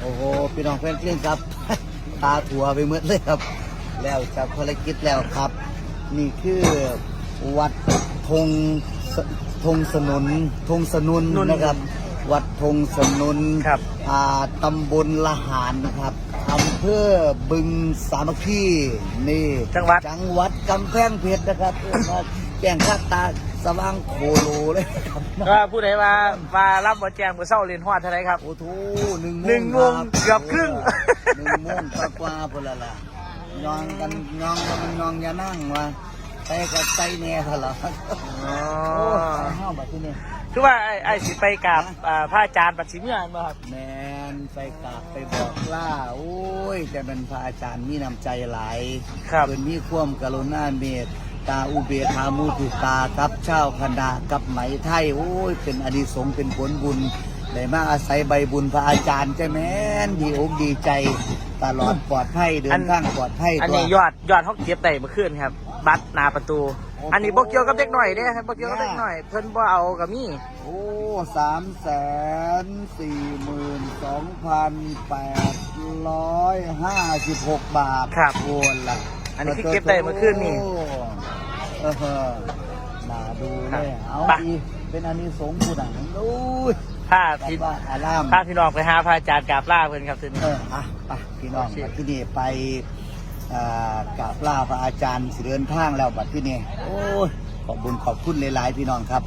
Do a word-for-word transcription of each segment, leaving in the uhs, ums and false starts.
โอ้โหพี่น้องแฟนเพลงครับ ตาถั่วไปหมดเลยครับ แล้วจากภารกิจแล้วครับ นี่คือวัดธงสธงสนุนธงสนุนนะครับ วัดธงสนุนครับอ่าตำบลละหารนะครับอำเภอบึงสามัคคีนี่จังหวัดจังหวัดกำแพงเพชรนะครับเออมาแจ้งข้าตาสว่างโคโลเลยครับก็ผู้ใดว่าว่ารับบ่แจ้งบ่เศร้าเรียนฮอดเท่าไหร่ครับโอ้โหหนึ่งโมงหนึ่งโมงรับเกือบครึ่งหนึ่งโมงกว่าๆพุ่นละล่ะยองกันยองกันยองอย่านั่งว่าไปกับใจแน่เถอะล่ะอ๋อโอ้ไปห้าวแบบที่นี่คือว่าไอ้ไอ้สิไปกับอ่าพระอาจารย์ปัดสิมีอันบ่ครับแมนไปกราบไปบอกล่าโอ้ยแต่เป็นพระอาจารย์มีน้ำใจหลายครับเป็นมีความกรุณาเมตตาอุเบกขามุตุตากับเจ้าคณะกับไหมไทยโอ้ยเป็นอนิสงส์เป็นผลบุญได้มาอาศัยใบบุญพระอาจารย์ใช่ไหมนดีอกดีใจตลอดปลอดภัยเดินทางปลอดภัยอันตัวนี้ยอดยอดเขาเก็บได้เมื่อคืนครับ บัตรหน้าประตูโอ้โหอันนี้บ่เกี่ยวกับเด็กหน่อยเด้ครับบ่เกี่ยวกับเด็กหน่อย เพิ่นบ่เอากับมีโอ้สามแสนสี่หมื่นสองพันแปดร้อยห้าสิบหกบาทครับโอนละอันนี้คือเก็บได้เมื่อคืนนี่โอ้เออน่าดูครัเลบยเอาไปดีเป็นอันนี้สงส์ผู้หนังดูถ้าคิพี่ดว่าอารามถ้าพี่น้องไปหาพระอาจารย์กราบลาเพิ่นครับทีนี้เอออ่ะไปพี่น้องโอเคบัดที่นี่ไปอ่ากราบลาพระอาจารย์สิเดินทางแล้วบัดที่นี่โอ้ยขอบบุญขอบคุณหลายๆพี่น้องครับ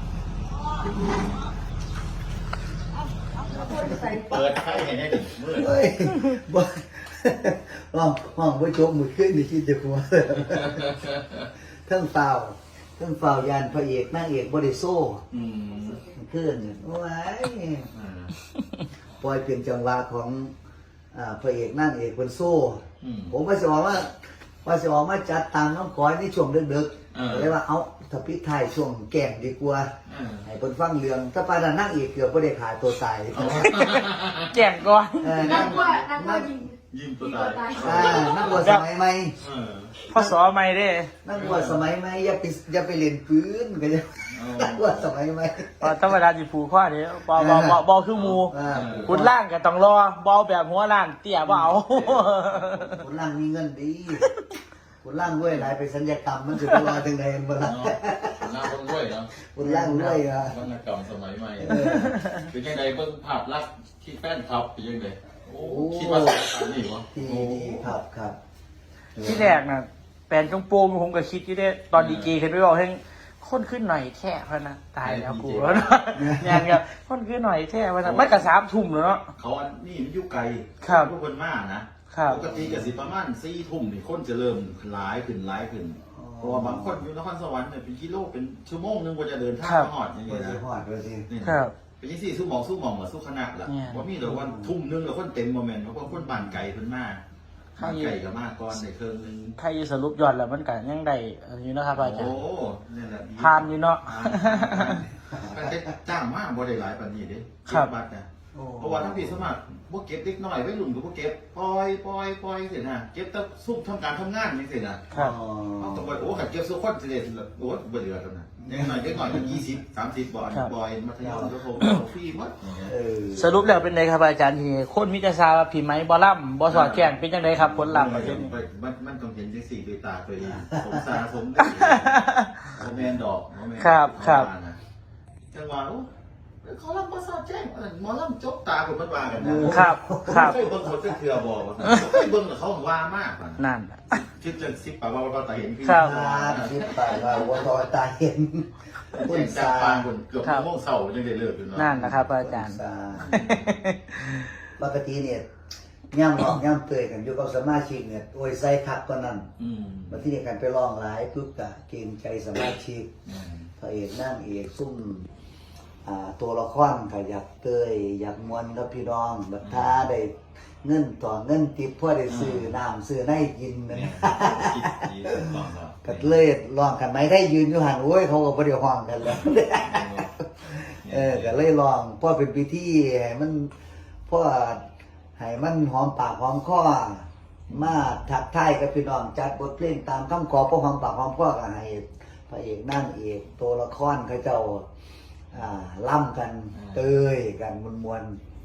เปิดไฟให้ได้ดิมืดเฮ้ยบ่ห้องห้องบ่จบมือขึ้นนี่คิดจะหัวเทั้งเฝ้าเทั้งเฝ้ายานพระเอกนางเอกบ่ได้โซ่อืมขึ้นนี่โอ้ยอ่าปล่อยเพียงจังหวะของอ่าพระเอกนางเอกเพิ่นโซ่อืมผมว่าสิบอกว่าว่าสิออกมาจัดตามน้องก้อยในช่วงดึกเออๆเลยว่าเอาถ้าพิไทายช่วงแก่งดีกว่าอ่าให้เพิ่นฟังเรื่องถ้าปานนั้นนางเอกเกือบบ่ได้ขาตัวตายแจ้งก่อนเออนันั่กงกว่านักกว่ายิงยิ้มตัวตายอ่านั่งบวชสมัยใหม่เออพ่อสอใหม่เด้นั่งบวชสมัยใหม่อย่าไปอย่าไปเล่นปืนก็จะนั่งบวชสมัยใหม่ตอนธรรมดาสิผูกข้อนี้บ่บ่บ่บ่คือหมู่อ่าคุณล่างก็ต้องรอบ่เอาแบบหัวล้านเตี้ยบ่เอาคนล่างมีเงินดีคนล่างด้วยหลายไปสัญญกรรมมันสิบ่รอจังได๋บ่ล่ะเนาะหน้าคนรวยเนาะคนล่างด้วยอ่ะวรรณกรรมสมัยใหม่เป็นยังไงเบิ่งภาพลักษณ์ที่แฟนคลับเป็นยังไงโอ้คิดว่าสถานนี่วะดีดีครับครับที่แรกน่ะแปลนจงโปงผมก็คิดอยู่เด้ตอนดีเจขึ้นไปบอกให้คนขึ้นหน่อยแท้พะนะตายแล้วกูแล้วนะงานครับคนขึ้นหน่อยแท้พะนะมันก็สามทุ่มแล้วเนาะเขาอันนี่มันอยู่ไกลครับทุกคนมากนะครับ ปกติก็สิประมาณสี่ทุ่มนี่คนจะเริ่มหลายขึ้นหลายขึ้นเพราะว่าบางคนอยู่นครสวรรค์เนี่ยเป็นกิโลเป็นชั่วโมงนึงกว่าจะเดินทางมาหอดอย่างบ่เงี้ยสินะฮอดว่าสินี่ครับเป็นยังสี่สู้หมองสู้หมองกับสู้คณะล่ะเนี่ยว่ามีแต่ว่าทุ่มนึงแล้วคนเต็มโมเมนต์เพราะว่าคนบ้านไก่เพิ่นมากใครบ้านไก่กับมากก่อนในเครื่องนึงใครสรุปยอดแล้วมันก็ยังได้อันนี้นะครับอาจารโอ้ย์นี่นแหละดีทานอยู่เนาะผ่านแต่จ้างมากบ่ได้หลายปานนี้เด้ครับเก็บัตรนะโอ้เพราะว่าทั้งพี่สมัครพวกเก็บเล็กน้อยไว้หลุมกับพวกเก็บปล่อยปล่อยปล่อยเสร็จนะเก็บแต่ซุ่มทำการทำงานนี่เสร็จนะครับ เอาแต่ว่าโอ้ขัดเก็บสุขคนเสร็จโอ้บ่เหลือแล้วนะเล็กน้อยเล็กน้อยก็ยี่สิบสามสิบบอลครับบอยมัธยมก็ผมฟรีหมดอย่างเงี้ยเออสรุปแล้วเป็นไงครับอาจารย์ทีคนมิจฉาว่าผีไหมบอล่ำบอสอดแข่งเป็นยังไงครับผลลัพธ์ประเทศนี้มันมันต้องเห็นจังสี่ด้วยตาตัวเองสมสารสมได้โมเมนดอกโมเมนครับครับจังหวะโอ้เขาลำประสาทแจ้งหมอลำจกตาคนมันว่ากันนะครับครับเคยเบิ่งคนเถื่อบอกเคยเบิ่งแล้วเขาว่ามากนั่นคิดจังสิบปากว่าเราตาเห็นพี่ครับครับคิดไปว่าวัวทอตาเห็นคคุนณจาสาปางคนเกือบโมงเสาร์ยังได้เลิกอยู่เนาะนั่นนะครับอาจารย์สาปกติเนี่ยย่ำหลอกย่ำเตยกันอยู่กับสมาชิกเนี่ยโอ้ยใส่คักกว่านั้นอืมมาที่นี่กันไปลองหลายปุ๊บกะเกรงใจสมาชิกพระเอกนั่งเอกซุ่มอ่าตัวละครก็อยากเตยอยากมวนกับพี่น้องบัดท้าได้เงินต่อเงินติดเพื่อได้ซื้อน้ำซื้อให้กินนะคิดดีสองสองก็เลยลองกันไหมได้ยืนอยู่หันโอ้ยเขาก็บ่ได้ห้องกันแล้ว เออก็เลยลองเพราะเป็นพิธีให้มันเพราะให้มันหอมปากหอมคอมาทักทายกับพี่น้องจัดบทเพลงตามคำขอเพราะหอมปากหอมคอก็ให้พระเอกนั่งเอกตัวละครเขาเจ้าอ่าล่ำกันเตยกันมวนๆ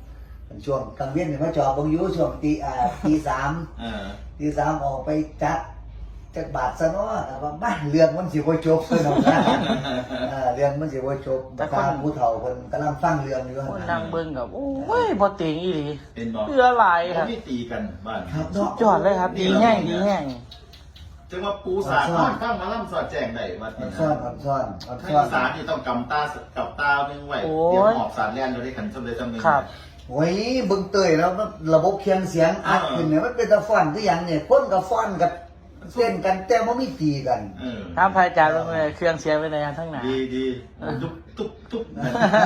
ช่วงกลางเวียนเนี่ยมาจอบเบิ่งอยู่ช่วงตีอ่าตีสามเออตีสามออกไปจัดจักบาทซะเนาะแต่ว่าบ้านเรื่องมันสิบ่จบเลยเนาะเออเรื่องมันสิบ่จบแต่คนผู้เฒ่าเพิ่นกำลังฟังเรื่องอยู่คนนั่งเบิ่งกับโอ้ยบ่เต็งอีหลีเห็นบ่เรือหลายครับไม่ตีกันบ้านครับสุเนาะดยอดเลยครับ ดีแห้งดีแห้งจังว่าปูสาดข้างข้างมาล่ำสอดแจงได้วัดอันี้นซ่อนนะอันซ่อนอันถ้าซ่อนอีสานนี่ต้องกำตากับตาหนึงไว้โอ้ยเดี๋ยวหอบสารแล่นเราได้ขันสำเร็จสำเร็จครับโอ้ยเบิ่งเตยแล้วระบบเคียงเสียงอัดขึ้นเนี่ยมันเป็นตะฟ้อนคือหยังเนี่ยคนกับฟ้อนกับเต้นกันแต่บ่มีตีกันเออถามพระอาจารย์ว่าไงเครื่องเสียงเป็นไงทั้งหนาดีดีตุ๊บตุ๊บตุ๊บนะ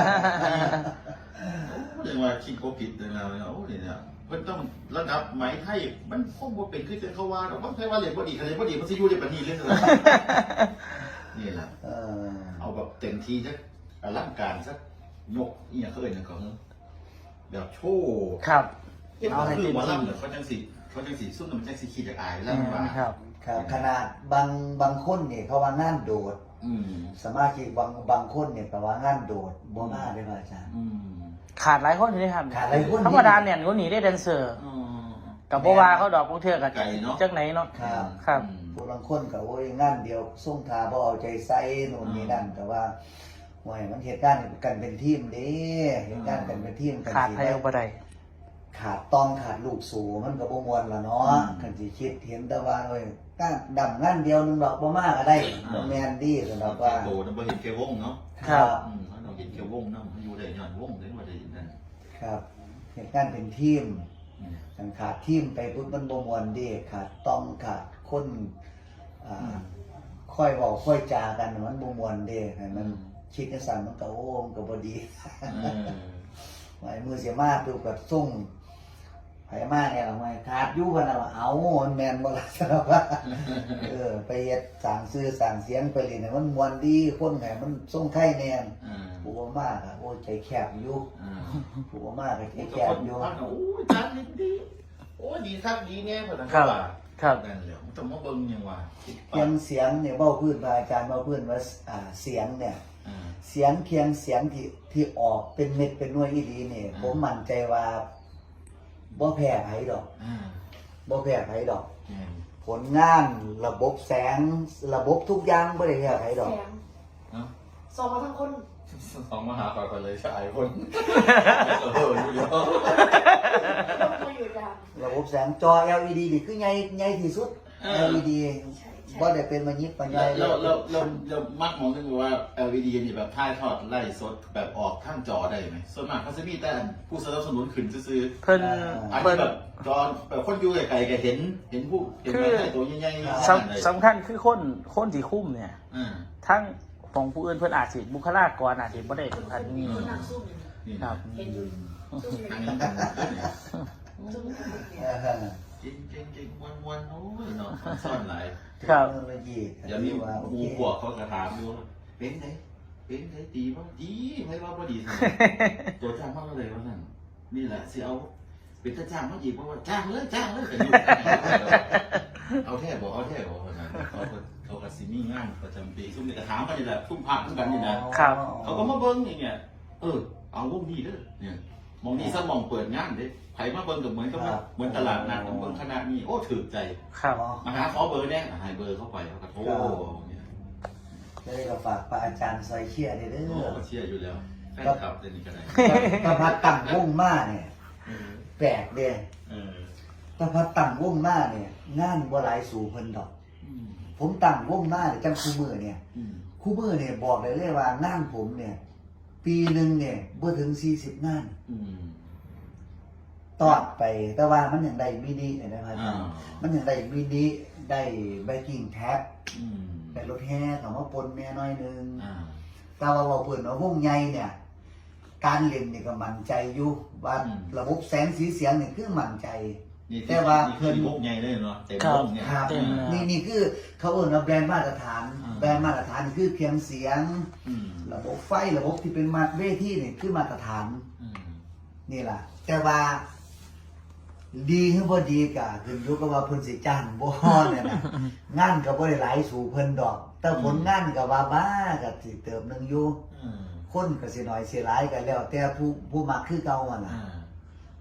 เรียกว่าคิดโกผิดเลยนะโอ้เนี่ยเนี่ยมันต้องระดับไหมไทยมันคงว่าเป็นขึ้นเป็นเขาว่าแต่ว่าใครว่าเรียนบ่ดีใครเรียนบ่ดีมันจะอยู่ในปณีเรื่องอะไรนี่แหละเออเอาแบบเต็มที่สักอลังการสักยกอีอย่างเขาเอ่ยนะเขาแบบโชว์ครับเอาเอาให้ให้เต็ตีมมาที่ล่ำเนี่ยเขาจังสีเขาจังสีซุ่มมันจังสีขีดจากอายแล้วมาครับครับขนาดบางบางคนเนี่ยเขาว่างานโดดอืมสมาชิกบางบางคนเนี่ยก็ว่างานโดดบ่มาได้ป่ะอาจารย์อืมขาดหลายคนอยู่เลยครับขาดหลายคนธรรมดาเนี่ยก็หนีได้แดนเซอร์อ๋อกับบัวาเขาดอกพวกเทือกกับไก่เนาะจักไหนเนาะครับครับอืมผู้บางคนก็โอ้ยงานเดียวส่งทาบ่เอาใจใส่นู่นนี่นั่นแต่ว่าห่วยมันเหตุการณ์กันเป็นทีมเด้เหตุการณ์กันเป็นทีมกันขาดสิไทยเอาบ่ได้ขาดต้องขาดลูกสูมันก็บ่ม่วนล่ะเนาะอืมคันสิคิดเห็นแต่ว่าเอ้ยก้านดำงานเดียวหนึงดอกบ่มาก็ได้บ่แม่นดีสำหรับว่าโตนะบ่เห็นแค่วงเนาะครับอืมเขาต้องเห็นแค่วงเนาะมันอยู่ได้ย้อนวงเลยว่าได้ยินนั่นครับเหตุการณ์เป็นทีมอืมคันขาดทีมไปปุ๊บมันบ่ม่วนเด้ขาดต้องขาดคนอ่าค่อยเว้าค่อยจากันมันบ่ม่วนเด้ให้มันคิดจังซั่นมันก็โอ้มันก็บ่ดีเออหมายมือเสียมาปุ๊บก็ส่งไผมาเนี่ยล่ะไม่ขาดอยู่พุ่นน่ะว่าเอามันแม่นบ่ล่ะสำหรับว่า เออไปเฮ็ดสร้างชื่อสร้างเสียงไปเล่นให้มันม่วนดีคนให้มันส่งไข่แน่นอืมผู้บ่มากอ่ะโอ้ยใจแคบอยู่อืมผู้บ่มากก็ใจโอ้ยแคบอยู่ฟังโอ้ยจานดีดีโอ้ยดีครับดีแน่เพิ่นนะครับว่าครับนั่นแหละมันต้องมาเบิ่งหยังว่าเพียงเสียงเนี่ยเว้าพื้นพระอาจารย์เว้าพื้นว่าอ่าเสียงเนี่ยอ่าเสียงเพียงเสียงที่ที่ออกเป็นเม็ดเป็นหน่วยอีหลีนี่อืมผมมั่นใจว่าบ่แพ้ไผดอกอ่าบ่แพ้ไผดอกแม่นผลงานระบบแสงระบบทุกอย่างบ่ได้แพ้ไผดอกแสงเนาะส่งมาทั้งคนสองมาหาก่อนก่อนเลยชายคนเอออยู่เดียวต้องมาอยู่ยามระบบแสงจอ แอล อี ดี นี่คือใหญ่ใหญ่ที่สุด แอล อี ดีใช่ใช่บ่ได้เป็นมายิบมาใหญ่เราเราเราเรามักมองถึงว่า แอล อี ดี นี่แบบถ่ายทอดไล่สดแบบออกข้างจอได้ไหมส่วนมากเขาจะมีแต่ผู้สนับสนุนขึ้นซื้อเพิ่นๆอันเพิ่นี้นแบบจอแบบคนอยู่ไกลๆก็เห็นเห็นผู้เห็นแบบให้ตัวใหญ่ๆสำสำคัญคือคนคนที่คุ้มเนี่ยอ่าทั้งของผู้อื่นเพิ่นอาจสิบุคลากรอาจสิบ่ได้ถึงขั้นนี้คนนั่งซุ่มอยู่นี่ครับเห็นอยู่ซุ่มอยู่อันนี้กันเนี่ยซุ่มอยู่เออเก่งเก่งเก่งวันวันๆโอ้ยเนาะซ่อนหลายครับเทคโนโลยีเดี๋ยวนี้ว่าโอหมูเคพวกเขากระถามอยู่ว่าเป็นไงเป็นไงดีป่ะดีไม่ว่าบ่ดีสิตัวจ้างมากเลยว่านั่นนี่แหละสิเอาเป็นตาจ้างมาอีกเพราะว่าจ้างเลยจ้างเลยกันอยู่เอาแท้บอกเอาแท้บอกว่านั่นเขาก็เขาก็สิมีงานประจำปีซุ่มนี่กระถามกันนี่แหละซุ่มพักกันนี่นะครับ เขาก็มาเบิ้งอย่างเงี้ยเออเอาวงนี้เด้อเนี่ยมองนี่ซะมองเปิดงานเด้ไผมาเบิ้งกับเหมือนกับว่าเหมือนตลาดนัดเบิ้งคณะนี้โอ้ถือใจครับมาหาขอเบอร์เนี่ยให้เบอร์เข้าไปเขาก็โทรเนี่ยจะได้ก็ฝากพระอาจารย์ซอยเชียร์เด้อเด้โอ้อก็เชียร์อยู่แล้วแฟนคลับเดี๋ยวนี้ก็ได้ถ้าพัดตั้งวงมาเนี่ยเออแปลกเด้เออถ้าพัดตั้งวงมาเนี่ยงานบ่หลายสู่เพิ่นดอกอืมผมตั้งวงมาเนี่ยจังคู่มือเนี่ยอืมคู่มือเนี่ยบอกเลยเลยว่างานผมเนี่ย ปีหนึงเนี่ยบ่ถึงสี่สิบงานอืมตอดไปแต่ว่ามันยังได้มินินะครับอาจารย์อ่ามันยังได้มินิได้ไบกิ้งแท็บอืมได้รถแห่เขามาปนแม่น้อยหนึงอ่าแต่ว่าเราเปิดว่าวงใหญ่เนี่ย การเล่นนี่ก็มั่นใจอยู่ว่าระบบแสงสีเสียงนี่คือมั่นใจนี่แต่ว่านี่เพิ่คือน วงใหญ่เลยเนาะเต็มครับวงเนี่ยครับเต็มเลยนี่นี่คือเขาเอ่นว่าแบรนด์มาตรฐานอ่าแบรนด์มาตรฐานคือเพียงเสียงอืมระบบไฟระบบที่เป็นมาตรเวทีนี่คือมาตรฐานอืมนี่แหละแต่ว่า ดีหรือบ่ดีก็ขึ้นอยู่กับว่าเพิ่นสิจ้างบ่เนี่ยนะ งานก็บ่ได้หลายสู่เพิ่นดอก แต่ผลงานก็ว่าบ้าก็สิเติมหนึงอยู่อืมคนก็สิน้อยสิหลายก็แล้ว แต่ผู้ผู้มักคือเก่าหั่นล่ะอ่าค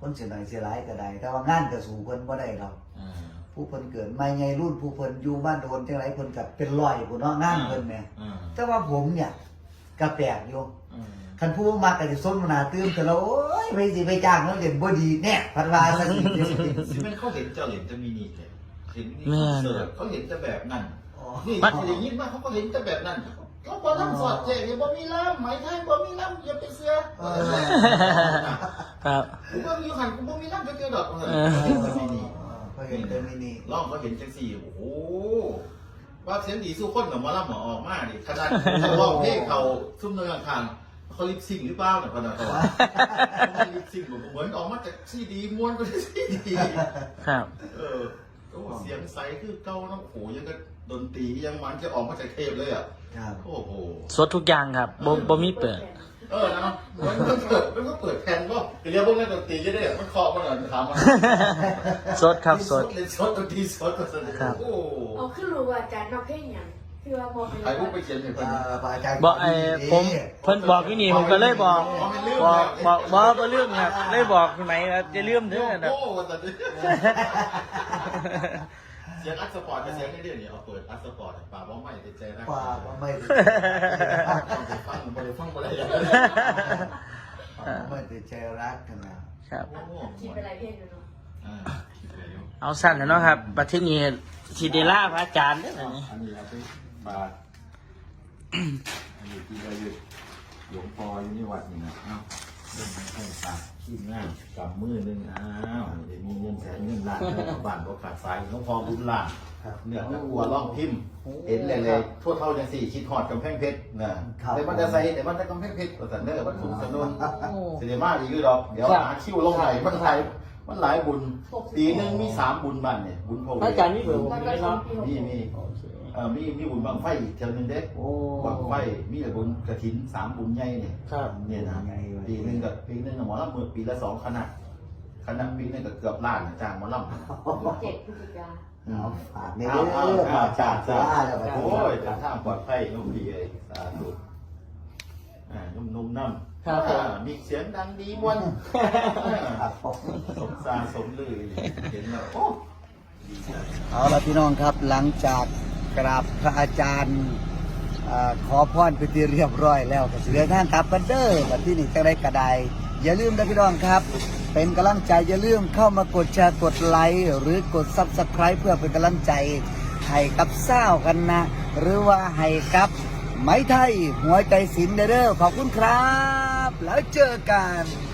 คนเสียหน่อยเสียหลายก็ได้แต่ว่างานก็สู่เพิ่นบ่ได้หรอกอ่าผู้เพิ่นเกิดมาไงรุ่นผู้เพิ่นอยู่บ้านโดนจังไรเพิ่นก็เป็นร้อยผู้เนาะงานเพิ่นแหม่อ่าแต่ว่าผมเนี่ยก็แปลกอยู่อ่าคันผู้มักก็สิสนหน้าตื้มแต่ละโอ้ยไปสิไปจ้างแล้วเด่นบ่ดีแน่พันว่าซะสิสิแม่นเขาเห็นเจ้าเห็นจะมีนี่เลยเห็นนี่แม่นเสิร์ฟเขาเห็นจะแบบนั้นอ๋อนี่ที่ได้ยินมาเขาก็เห็นจะแบบนั้นเขาบอกทั้งสอดแจกเนี่ยบ่มีล่ามไหมไทยบ่มีล่ามอย่าไปเสือเออครับกูบ่มีหันกูบ่มีล่ามจะเจอดอกเออเห็นจะมีนี่ก็เห็นแต่มินิลองเขาเห็นจังสี่โอ้โหว่าเสียงดีสู้คนกับมาล่ามหมอออกมาดิขนาดเขาร้องเพลงเขาซุ่มเนินทางเขาลิปซิงหรือเปล่าเนี่ยพนักเขาว่าลิปซิงเหมือนออกมาจากซีดีม้วนก็ได้ซีดีครับเออก็เสียงใสคือเก้าน้ำโขยังก็ดนตรียังมันจะออกมาจากเทปเลยอ่ะครับโอ้โหสดทุกอย่างครับบ่บ่มีเปิดเออนะมันก็เปิดมันก็เปิดแผ่นก็เรียกพวกนักดนตรีจะได้มันเคาะมันหน่อยถามมันสดครับสดเล่นสดดนตรีสดก็สนุกครับโอ้เอาขึ้นรู้ว่าอาจารย์นอกเพลงอย่างคือว่ามองเป็นใครพวกไปเขียนให้เพิ่นเอ่อพระอาจารย์บอกไอ้ผมเพิ่นบอกที่นี่ผมก็เลยบอกบอกบอกบอกบ่ลืมครับเลยบอกพี่ไหมว่าจะลืมเด้อนะโอ้โหแต่ดิเสียงอัดสปอร์ตกับเสียงในเรื่องนี้เอาเปิดอัดสปอร์ตป่าบ้องไม่ติดใจนะกว่าว่าไม่ได้ฟังบ่ได้ฟังบ่ได้ไม่ได้ใจรักกันนะครับโอ้โหคิดเป็นไรเพลงอยู่เนาะอ่าคิดไปอยู่เอาสั้นแล้วเนาะครับบัดทีนี้สิได้ลาพระอาจารย์เด้อบัดนี้อันนี้เอาไปบาทอันนี้ที่เราอยู่หลวงพ่ออยู่นี่วัดนี่นะเอ้าเรื่องให้ฝากขี้ง่ายกำมือหนึงอ้าวเดี๋ยวมีเงินแสนเงินล้านเงินบ้านก็ขาดสายหลวงพ่อบุญล้านเนื้อตะกัวล่องพิมพ์เห็นเลยเลยทั่วเท่าจังสี่คิดหอดกำแพงเพชรนะแต่มันจะใส่แต่มันจะกำแพงเพชรแต่เนื้อมันถูกสนุนเสียมากอีกคือดอกเดี๋ยวหาคิวลงไหลมันไหลมันหลายบุญปีหนึงมีสามบุญบ้านเนี่ยบุญพ่อพระอาจารย์นี่เบอร์ผมแล้วก็ได้ชอเนาะบพี่หกมีมีเอ่อมีมีบุญบังไฟอีกเท่านึงเด้โอ้บังไฟมีแต่บุญกระถินสามบุญใหญ่เนี่ยครับเนี่ยนะปีหนึงกับปีหนึงหมอลำมือปีละสองคณะคณะปีหนึงก็เกือบล้านจ้างหมอลำเจ็ดพฤศจิกาเอาฝากในเอาเด้เอาอเอาฝากจ้าจ้าจ้าจ้าแล้วก็โอ้ยทางทางปลอดภัยนุ่มดีเลยสาธุอ่านุ่มๆน้ำครับผมอ่ามีเสียงดังดีมวนครับผมสมซาสมลือเห็นแล้วโอ้ดีใจเอาละพี่น้องครับหลังจากกราบพระอาจารย์อ่าขอพรไปที่เรียบร้อยแล้วก็สิเดินทางกลับกันเด้อบัดที่นี่จังได้กระไดอย่าลืมนะพี่น้องครับ เป็นกำลังใจอย่าลืมเข้ามากดแชร์กดไลค์หรือกดซับสไคร b e เพื่อเป็นกำลังใจให้กับเศร้ากันนะ หรือว่าให้กับไม้ไทยหัวใจศิลป์เด้อขอบคุณครับ แล้วเจอกัน